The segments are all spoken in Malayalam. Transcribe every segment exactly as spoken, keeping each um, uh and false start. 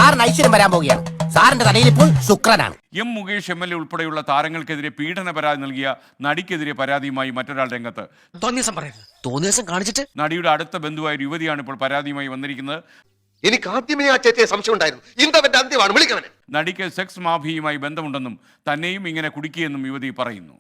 സാറിന് ഐശ്വര്യം വരാൻ പോവുകയാണ്. സാറിന്റെ തലയിൽ ഇപ്പോൾ ശുക്രനാണ്. M Mukesh M L A ഉൾപ്പെടെയുള്ള താരങ്ങൾക്കെതിരെ പീഡന പരാതി നൽകിയ നടിക്കെതിരെ പരാതിയുമായി മറ്റൊരാൾ രംഗത്ത്. തോന്നിയസം കാണിച്ചിട്ട് നടിയുടെ അടുത്ത ബന്ധുവായ ഒരു യുവതിയാണ് ഇപ്പോൾ പരാതിയുമായി വന്നിരിക്കുന്നത്. എനിക്ക് ആദ്യമേ ആ ചേച്ചിയെ സംശയം ഉണ്ടായിരുന്നു. ഇന്തവന്റെ അന്ത്യമാണ്, വിളിക്കവനെ. നടിക്ക് സെക്സ് മാഫിയുമായി ബന്ധമുണ്ടെന്നും തന്നെയും ഇങ്ങനെ കുടിക്കുകയെന്നും യുവതി പറയുന്നു.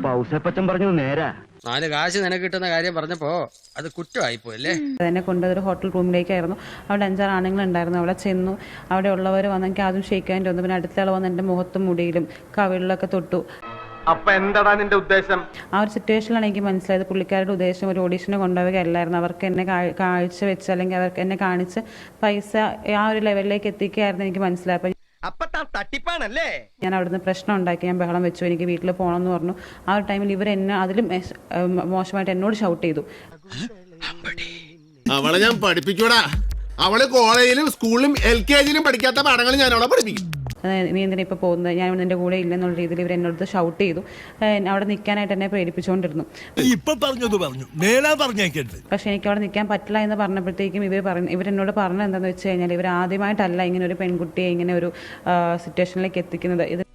നാല് കാശ് നിനക്ക് കിട്ടുന്ന കാര്യം പറഞ്ഞപ്പോ അത് കുറ്റമായിപ്പോയല്ലേ. എന്നെ കൊണ്ടതൊരു ഹോട്ടൽ റൂമിലേക്കായിരുന്നു. അവിടെ അഞ്ചാറ് ആണുങ്ങളുണ്ടായിരുന്നു. അവിടെ ചെന്നു. അവിടെ ഉള്ളവർ വന്ന് എനിക്ക് ആദ്യം ഷെയ്ക്കാൻ തോന്നുന്നു. പിന്നെ അടുത്ത ആൾ വന്ന് എൻ്റെ മുഖത്തും മുടിയിലും കവിളിലൊക്കെ തൊട്ടു. അപ്പൊ എന്താടാ നിന്റെ ഉദ്ദേശം? ആ ഒരു സിറ്റുവേഷനിലാണ് എനിക്ക് മനസ്സിലായത് പുള്ളിക്കാരുടെ ഉദ്ദേശം ഒരു ഓഡീഷന് കൊണ്ടുപോവുകയല്ലായിരുന്നു. അവർക്ക് എന്നെ കാഴ്ച വെച്ച് അല്ലെങ്കിൽ അവർക്ക് എന്നെ കാണിച്ച് പൈസ ആ ഒരു ലെവലിലേക്ക് എത്തിക്കുകയായിരുന്നു എനിക്ക് മനസ്സിലായത്. തട്ടിപ്പാണല്ലേ? ഞാൻ അവിടുന്ന് പ്രശ്നം ഉണ്ടാക്കി, ഞാൻ ബഹളം വെച്ചു, എനിക്ക് വീട്ടിൽ പോകണമെന്ന് പറഞ്ഞു. ആ ഒരു ടൈമിൽ ഇവർ എന്നെ അതിലും മോശമായിട്ട് എന്നോട് ഷൗട്ട് ചെയ്തു. അവളെ ഞാൻ പഠിപ്പിക്കൂടാ. അവള് കോളേജിലും സ്കൂളിലും എൽ കെ ജിയിലും പഠിക്കാത്ത പാഠങ്ങൾ ഞാൻ അവളെ പഠിപ്പിക്കും. നീ എന്തിനാ ഇപ്പോൾ പോകുന്നത്, ഞാൻ നിന്റെ കൂടെ ഇല്ലെന്നുള്ള രീതിയിൽ ഇവർ എന്നോട് ഷൗട്ട് ചെയ്തു. അവിടെ നിൽക്കാനായിട്ട് എന്നെ പ്രേരിപ്പിച്ചുകൊണ്ടിരുന്നു. പക്ഷെ എനിക്ക് അവിടെ നിൽക്കാൻ പറ്റില്ല എന്ന് പറഞ്ഞപ്പോഴത്തേക്കും ഇവർ പറഞ്ഞു ഇവരെന്നോട് പറഞ്ഞത് എന്താണെന്ന് വെച്ച് കഴിഞ്ഞാൽ ഇവർ ആദ്യമായിട്ടല്ല ഇങ്ങനെ ഒരു പെൺകുട്ടിയെ ഇങ്ങനെ ഒരു സിറ്റുവേഷനിലേക്ക് എത്തിക്കുന്നത്. ഇത്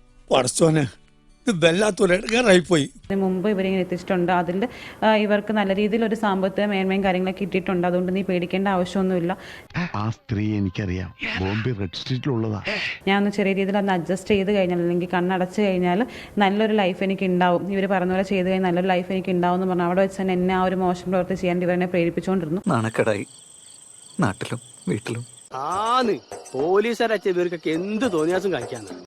ഇതിന് മുമ്പ് ഇവരിങ്ങനെ എത്തിച്ചിട്ടുണ്ട്. അതിൽ ഇവർക്ക് നല്ല രീതിയിൽ ഒരു സാമ്പത്തിക മേന്മയും കാര്യങ്ങളൊക്കെ കിട്ടിയിട്ടുണ്ട്. അതുകൊണ്ട് നീ പേടിക്കേണ്ട ആവശ്യമൊന്നുമില്ല. ആ സ്ത്രീ എനിക്കറിയാം, ബോംബെ റെഡ് സ്ട്രീറ്റിലുള്ളതാ. ഞാൻ ഒന്ന് ചെറിയ രീതിയിൽ ഒന്ന് അഡ്ജസ്റ്റ് ചെയ്ത് കഴിഞ്ഞാൽ അല്ലെങ്കിൽ കണ്ണടച്ച് കഴിഞ്ഞാൽ നല്ലൊരു ലൈഫ് എനിക്ക് ഉണ്ടാവും. ഇവർ പറഞ്ഞ പോലെ ചെയ്ത് കഴിഞ്ഞാൽ നല്ലൊരു ലൈഫ് എനിക്ക് ഉണ്ടാവും എന്ന് പറഞ്ഞു അവിടെ വെച്ച് തന്നെ എന്നെ ആ ഒരു മോശം പ്രവൃത്തി ചെയ്യാൻ ഇവരെന്നെ പ്രേരിപ്പിച്ചുകൊണ്ടിരുന്നു. നാണക്കടായി നാട്ടിലും വീട്ടിലും ആന്ന് പോലീസുകാരച്ച ഇവർക്കൊക്കെ എന്ത് തോന്നിയാസം കാണിക്കാന്ന്.